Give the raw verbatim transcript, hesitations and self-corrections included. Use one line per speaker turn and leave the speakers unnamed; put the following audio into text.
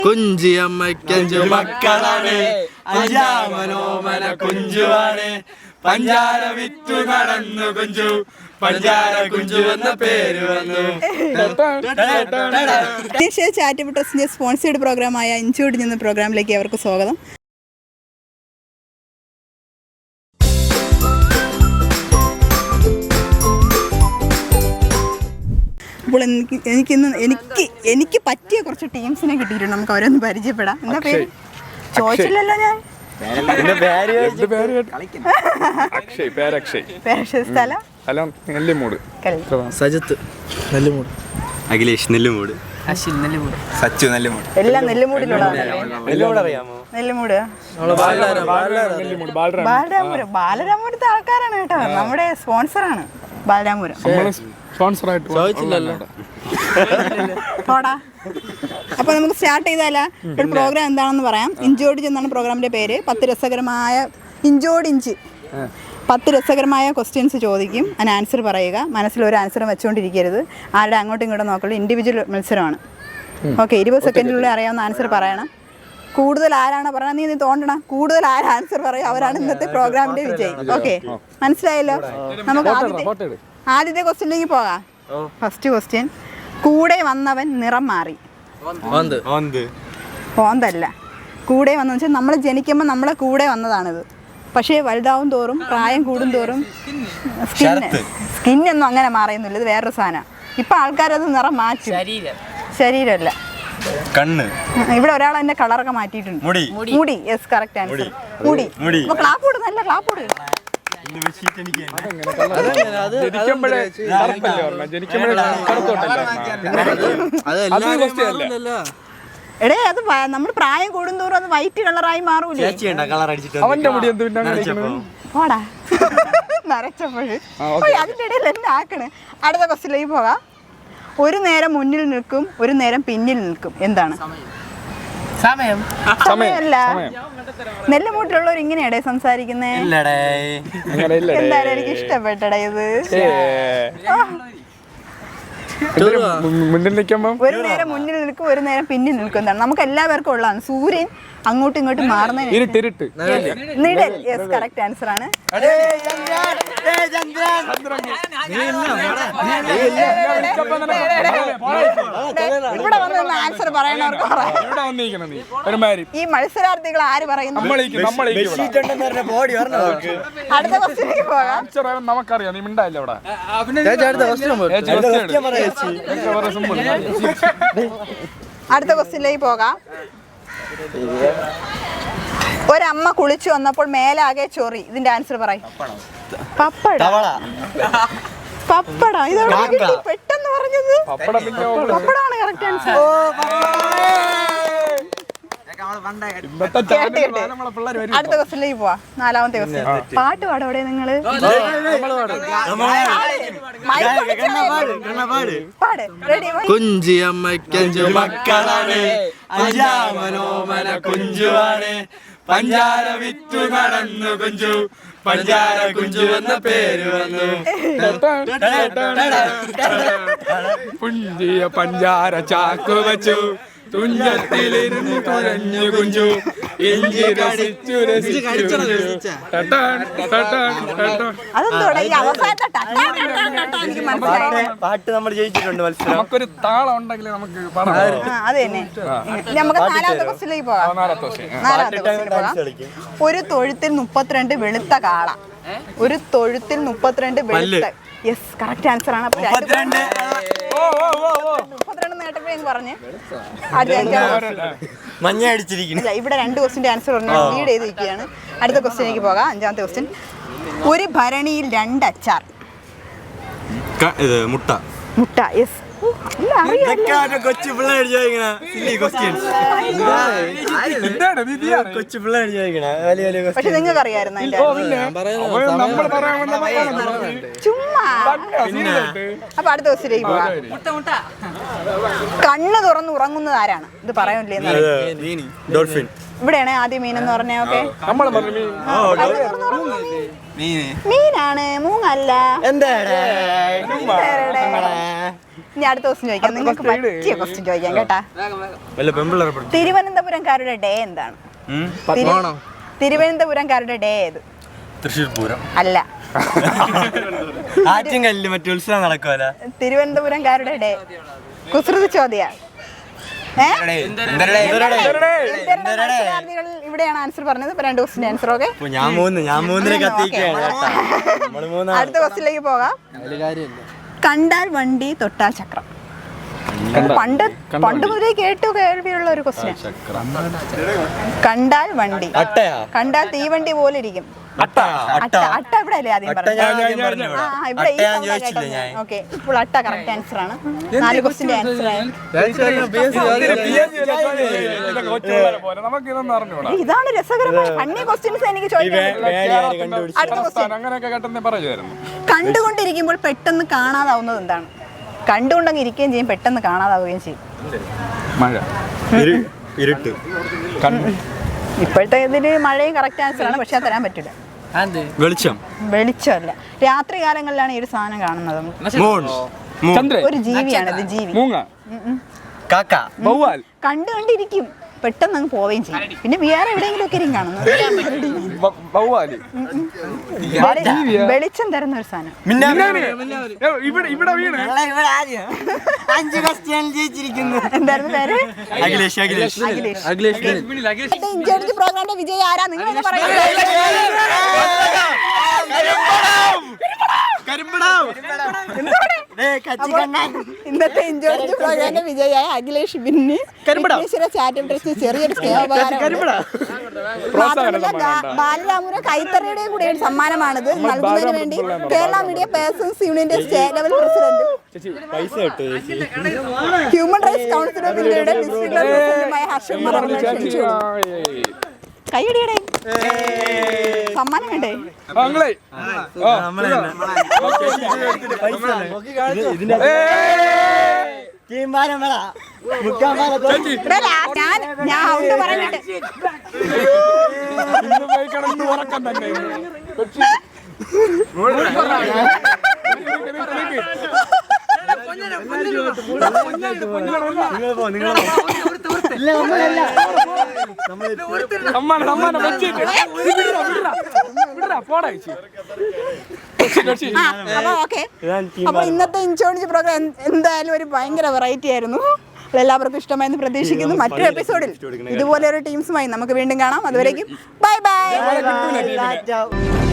കുഞ്ചിയമ്മയ്ക്കഞ്ചു മക്കളാണ്, അഞ്ചാമനോമന കുഞ്ചുവാണ്. പഞ്ചാര വിറ്റു നടന്നു കുഞ്ചു, പഞ്ചാര കുഞ്ചു എന്ന പേര് വന്നു.
ചാരിറ്റബിൾ ട്രസ്റ്റിന്റെ സ്പോൺസേഡ് പ്രോഗ്രാമായ ഇഞ്ചോടിഞ്ഞ് എന്ന പ്രോഗ്രാമിലേക്ക് അവർക്ക് സ്വാഗതം. അപ്പോൾ എനിക്ക് എനിക്കിന്ന് എനിക്ക് എനിക്ക് പറ്റിയ കുറച്ച് ടീംസിനെ കിട്ടിയിട്ടുണ്ട്. നമുക്ക് അവരൊന്ന് പരിചയപ്പെടാം. എന്താ പേര്? ചോദിച്ചില്ലല്ലോ ഞാൻ. സ്ഥലം
നെല്ലിമൂട്.
സജിത്ത് നെല്ലിമൂട്.
അഖിലേഷ് നെല്ലിമൂട്.
അശ്വിൻ നെല്ലിമൂട്.
സച്ചു നെല്ലിമൂട്.
എല്ലാം നെല്ലിമൂടിലുള്ളതാണ്. നെല്ലിമൂട് ബാലരാമപുരം. ബാലരാമപുരത്തെ ആൾക്കാരാണ് കേട്ടോ, നമ്മുടെ സ്പോൺസറാണ് ബാലരാമപുരം. അപ്പൊ നമുക്ക് സ്റ്റാർട്ട് ചെയ്താലാ? ഒരു പ്രോഗ്രാം എന്താണെന്ന് പറയാം. ഇഞ്ചോടിഞ്ച് എന്നാണ് പ്രോഗ്രാമിന്റെ പേര്. പത്ത് രസകരമായ ഇഞ്ചോടിഞ്ച് പത്ത് രസകരമായ ക്വസ്റ്റ്യൻസ് ചോദിക്കും, അതിന് ആൻസർ പറയുക. മനസ്സിൽ ഒരു ആൻസറും വെച്ചുകൊണ്ടിരിക്കരുത്. ആരുടെ അങ്ങോട്ടും ഇങ്ങോട്ടും നോക്കുള്ളൂ. ഇൻഡിവിജ്വൽ മത്സരമാണ്. ഓക്കെ, ഇരുപത് സെക്കൻഡിനുള്ളിൽ അറിയാവുന്ന ആൻസർ പറയണം. കൂടുതൽ ആരാണ് പറയണം, നീ നീ തോണ്ടണം. കൂടുതൽ ആര് ആൻസർ പറയും അവരാണ് ഇന്നത്തെ പ്രോഗ്രാമിന്റെ വിജയി. ഓക്കെ, മനസ്സിലായല്ലോ? നമുക്ക് ആദ്യത്തെ ആദ്യത്തെ ക്വസ്റ്റ്യനിലേക്ക് പോകാം. ഫസ്റ്റ് ക്വസ്റ്റ്യൻ, കൂടെ വന്നവൻ നിറം മാറി. ഓന്തല്ല, കൂടെ വന്നെന്ന് വെച്ചാൽ നമ്മൾ ജനിക്കുമ്പോൾ നമ്മളെ കൂടെ വന്നതാണിത്. പക്ഷേ വലുതാവും തോറും, പ്രായം കൂടും തോറും സ്കിന്ന് സ്കിന്നൊന്നും അങ്ങനെ മാറിയൊന്നുമില്ല. ഇത് വേറൊരു സാധനം. ഇപ്പം ആൾക്കാരത് നിറം മാറ്റും. ശരീരമല്ല,
കണ്ണ്.
ഇവിടെ ഒരാൾ അതിന്റെ കളറൊക്കെ മാറ്റിയിട്ടുണ്ട്. മുടി. Yes, correct answer. മുടി. ക്ലാപ്പ് കൊടു, നല്ല ക്ലാപ്പ് കൊടു. എടേ, അത് നമ്മൾ പ്രായം കൂടുന്തോറും അത് വൈറ്റ് കളറായി മാറൂലേ? പോടാ, നരച്ചപ്പോഴ് അതിന്റെ ഇടയിൽ എന്നെ ആക്കണ്. അടുത്ത ക്വസ്റ്റ്യനിലേക്ക് പോകാം. ഒരു നേരം മുന്നിൽ നിൽക്കും, ഒരു നേരം പിന്നിൽ നിൽക്കും. എന്താണ്? സമയമല്ല. നെല്ലുമൂട്ടിലുള്ളവർ ഇങ്ങനെയാടേ സംസാരിക്കുന്നേ. എന്തായാലും എനിക്ക് ഇഷ്ടപ്പെട്ടടേ ഇത്. ഒരു നേരം മുന്നിൽ നിൽക്കും, ഒരു നേരം പിന്നിൽ നിൽക്കും. എന്താണ്? നമുക്ക് എല്ലാവർക്കും ഉള്ളതാണ്. സൂര്യൻ അങ്ങോട്ടും ഇങ്ങോട്ടും മാറുന്നതിന് നിഴൽ. യെസ്, കറക്റ്റ് ആൻസർ ആണ്. ഇവിടെ വന്ന് ആൻസർ പറയണവർക്ക് ഈ മത്സരാർത്ഥികൾ ആര് പറയുന്നു? അടുത്ത ക്വസ്റ്റ്യനിലേക്ക് പോകാം.
നമുക്കറിയാം, നീ മിണ്ടായില്ല അവിടെ.
അടുത്ത ക്വസ്റ്റ്യനിലേക്ക് പോകാം. ഒരമ്മ കുളിച്ചു വന്നപ്പോൾ മേലാകെ ചൊറി. ഇതിന്റെ ആൻസർ പറയും. പപ്പട. പപ്പട. ഇതോടെ പെട്ടെന്ന് പറഞ്ഞത് പപ്പടാണ് കറക്റ്റ് ആൻസർ. അടുത്ത ക്വസ്റ്റ്യനിലേക്ക് പോവാ. നാലാമത്തെ ക്വസ്റ്റ്യൻ. പാട്ട് പാടും അവിടെ നിങ്ങള്.
കുഞ്ചിയമ്മയ്ക്കഞ്ചു മക്കളാണ്, അഞ്ചാമനോമന കുഞ്ചുവാണ്. പഞ്ചാര വിറ്റു നടന്നു കുഞ്ചു, പഞ്ചാര കുഞ്ചു എന്ന പേര് വന്നു.
പുഞ്ചിയ പഞ്ചാര ചാക്കു വച്ചു, തുഞ്ചത്തിലിരുന്ന് തുഴഞ്ഞു കുഞ്ചു, ഇഞ്ചി രസിച്ചു രസിച്ചു.
പാട്ട് നമ്മൾ ജയിച്ചിട്ടുണ്ട് മത്സരം.
നമുക്കൊരു താളം ഉണ്ടെങ്കിൽ നമുക്ക് പാടാം.
നമുക്ക് നാലാമത്തെ ക്വസ്റ്റ്യനിലേക്ക് പോകാം. നാലാമത്തെ ക്വസ്റ്റ്യനിലേക്ക് പോകാം. ഒരു തൊഴുത്തിൽ മുപ്പത്തിരണ്ട് വെളുത്ത കാള. ഒരു തൊഴുത്തിൽ മുപ്പത്തിരണ്ട് വെളുത്ത. യെസ്, കറക്റ്റ് ആൻസർ ആണ്. മുപ്പത്തിരണ്ട് നേട്ടപ്പോഴെന്ന് പറഞ്ഞ്
മഞ്ഞ അടിച്ചിരിക്കുന്നു.
ഇവിടെ രണ്ട് ക്വസ്റ്റിന്റെ ആൻസർ പറഞ്ഞു ലീഡ് ചെയ്തിരിക്കുകയാണ്. അടുത്ത ക്വസ്റ്റ്യനിലേക്ക് പോകാം. അഞ്ചാമത്തെ ക്വസ്റ്റ്യൻ. ഒരു ഭരണിയിൽ രണ്ട് അച്ചാർ.
മുട്ട.
മുട്ട. യെസ്,
കൊച്ചു പിള്ളേർ ചോദിക്കണ കൊച്ചു പിള്ളേർ ചോദിക്കണ വലിയ വലിയ.
പക്ഷെ നിങ്ങൾക്ക് അറിയാമായിരുന്നു ചുമ്മാ. അപ്പൊ അടുത്ത ക്വസ്റ്റ്യനിലേക്ക് പോകാം. കണ്ണ് തുറന്ന് ഉറങ്ങുന്നത് ആരാണ്? ഇത് പറയൂലേ?
ഡോൾഫിൻ.
ഇവിടെയാണ് ആദ്യം മീൻ എന്ന് പറഞ്ഞ. ഓക്കെ, മീനാണ്, മൂങ്ങല്ല. ഇനി അടുത്ത ക്വസ്റ്റ്യൻ ചോദിക്കാം. നിങ്ങൾക്ക് പറ്റിയ ക്വസ്റ്റ്യൻ ചോദിക്കാം കേട്ടാ.
വല്ല പെമ്പിള്ളേരെ പഠിച്ചു.
തിരുവനന്തപുരംകാരുടെ ഡേ എന്താണ്? തിരു- തിരുവനന്തപുരംകാരുടെ ഡേ ഏത്?
തൃശ്ശൂർ പൂരം.
അല്ല,
ആറ്റിങ്ങലില് മറ്റു ഉത്സവം നടക്കുമല്ല.
തിരുവനന്തപുരംകാരുടെ ഡേ കുസൃതി ചോദ്യ. ഇവിടെയാണ് ആൻസർ പറഞ്ഞത്. ഇപ്പൊ രണ്ട് ക്വസ്റ്റിന്റെ ആൻസർ. ഓക്കെ,
ഞാൻ മൂന്ന് ഞാൻ മൂന്നിനെ കത്തിക്കുകയാണ്.
അടുത്ത ക്വസ്റ്റിലേക്ക് പോകാം. കണ്ടാൽ വണ്ടി തൊട്ടാൽ ചക്രം. പണ്ട് പണ്ട് മുതലേ കേട്ടു കേൾവിയുള്ള ഒരു ക്വസ്റ്റ്യൻ. കണ്ടാൽ വണ്ടി,
അട്ടയാ?
കണ്ടാൽ തീവണ്ടി പോലെ ഇരിക്കും.
അട്ട
അട്ട അട്ട ഇവിടെ അല്ലേ ആദ്യം പറഞ്ഞത്? ആ, ഇവിടെ ഈ sound ആ കേട്ടത്. ഓക്കെ, ഇപ്പോൾ അട്ട കറക്റ്റ് ആൻസർ ആണ്. നാല് ക്വസ്റ്റിന്റെ ആൻസർ ആണ്.
നമുക്കിതൊന്നും അറിഞ്ഞൂടാ.
ഇതാണ് രസകരമായ ഫണ്ണി ക്വസ്റ്റ്യൻസ് എനിക്ക് ചോദിക്കാൻ. അടുത്ത ക്വസ്റ്റ്യൻ.
അങ്ങനെയൊക്കെ കേട്ടെന്ന് പറയുമായിരുന്നു.
കണ്ടുകൊണ്ടിരിക്കുമ്പോൾ പെട്ടെന്ന് കാണാതാവുന്നത് എന്താണ്? കണ്ടുകൊണ്ടങ്ങ് ഇരിക്കുകയും ചെയ്യും, പെട്ടെന്ന് കാണാതാവുകയും ചെയ്യും.
മഴ,
ഇരുട്ട്.
ഇപ്പോഴത്തെ ഇതില് മഴയും കറക്റ്റ് ആൻസർ ആണ്, പക്ഷെ അത് തരാൻ പറ്റില്ല.
വെളിച്ചം.
വെളിച്ചമല്ല, രാത്രി കാലങ്ങളിലാണ് ഈ ഒരു സാധനം കാണുന്നത്.
മൂൺ.
ചന്ദ്രൻ,
ഒരു ജീവിയാണ് ഇത്, ജീവി.
മൂങ്ങ,
കാക്ക.
വവ്വാൽ.
കണ്ടു കണ്ടിരിക്കും, പെട്ടെന്ന് അങ്ങ് പോവുകയും ചെയ്യും. പിന്നെ വേറെ എവിടെയെങ്കിലും ഒക്കെ ഇരിക്കും കാണുന്നത്.
വ- വവ്വാല്.
വെളി- വെളിച്ചം തരുന്ന ഒരു സാധനം.
മിന്നാമി. ഏ, ഇവിടെ ഇവിടെ വീണ്
അഞ്ച് ക്വസ്റ്റ്യൻ ജയിച്ചിരിക്കുന്നു.
എന്തായിരുന്നു പേര്?
അഖിലേഷ്. അഖിലേഷ്.
അഖിലേഷ്. ഇഞ്ചോടിച്ച് പ്രോഗ്രാമിന്റെ വിജയി ആരാ? നിങ്ങൾ പറയുന്നത് ഇന്നത്തെ ഇഞ്ചോടിച്ച് പ്രോഗ്രാമിന്റെ വിജയിയായ അഖിലേഷ് ബിന്നി ചാറ്റം ട്രസ്റ്റ് ചെറിയൊരു ബാലരാമപുരം കൈത്തറിയുടെയും കൂടെ ഒരു സമ്മാനമാണിത് നൽകുന്നതിന് വേണ്ടി കേരള മീഡിയ പേഴ്സൺസ് യൂണിയന്റെ സ്റ്റേറ്റ് ലെവൽ പ്രസിഡന്റ്,
പൈസ കിട്ടും ചേച്ചി.
ഹ്യൂമൻ റൈറ്റ്സ് കൗൺസിൽ ഓഫ് ഇന്ത്യയുടെ ഡിസ്ട്രിക്ട് ലെവൽ പ്രസിഡന്റുമായ ഹർഷൻ ക്ഷണിച്ചു. കൈയടിയുടെ സമ്മാനം വേണ്ടേ?
ആങ്ങളെ. ആ,
നമ്മളെ
ഇവിടെ ലാ- ഞാൻ ഞാൻ ഔട്ട് പറഞ്ഞിട്ട്
ഇന്ന് പോയി കിടന്ന് ഉറക്കം തന്നെ. സമ്മാനം സമ്മാനം വെച്ചിട്ട് പോടാ ചേച്ചി.
ആ, അപ്പൊ ഓക്കെ. അപ്പൊ ഇന്നത്തെ ഇൻഷോർജ് പ്രോഗ്രാം എന്തായാലും ഒരു ഭയങ്കര വെറൈറ്റി ആയിരുന്നു. എല്ലാവർക്കും ഇഷ്ടമായെന്ന് പ്രതീക്ഷിക്കുന്നു. മറ്റൊരു എപ്പിസോഡിൽ ഇതുപോലെ ഒരു ടീംസുമായി നമുക്ക് വീണ്ടും കാണാം. അതുവരേക്കും ബൈ ബൈ.
കിട്ടൂല ടീമിനെ.